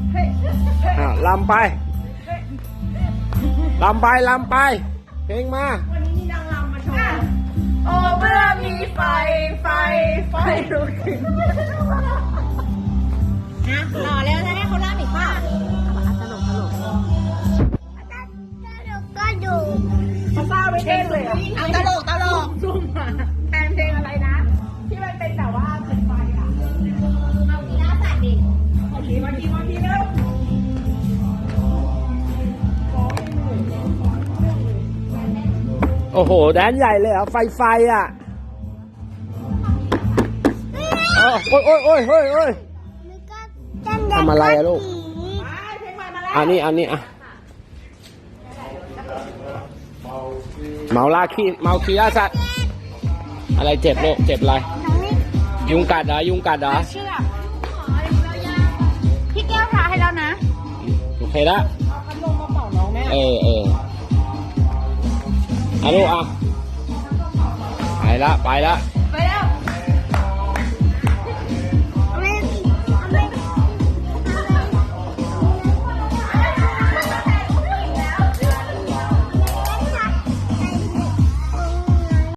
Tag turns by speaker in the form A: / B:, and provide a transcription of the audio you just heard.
A: ลำไปลำไปลำไปเพลงมา
B: วันนี้มีนางรำมาโชว์โอ้เมื่อมีไฟลุกขึ้นต่อแล้วจะให้เขาล่าอีกป่ะตลก
C: ก็ดู
B: เขาเศร้าไปเต้นเลยเอาตลกซุ่มมาแทนเพลงอะไรนะที่มันเป็นแบบว่าเป็นไฟอ่ะเอากีฬาสัตว์ดิมาทีเร็ว
A: โอ้โหแดนใหญ่เลยเหรอไฟอ่ะโอ้ยทำอะไรอะลูกอันนี้อะเมาคีล่าสัตว์อะไรเจ็บลูกเจ็บอะไรยุงกัดเหรอ
B: เชือกพี่แก้วพาให้แล้วนะ
A: โอเคละ
B: เอาพัดลมมาเป่าน้องแม่
A: ลูกอ่ะไปละ
B: ไปแล้ว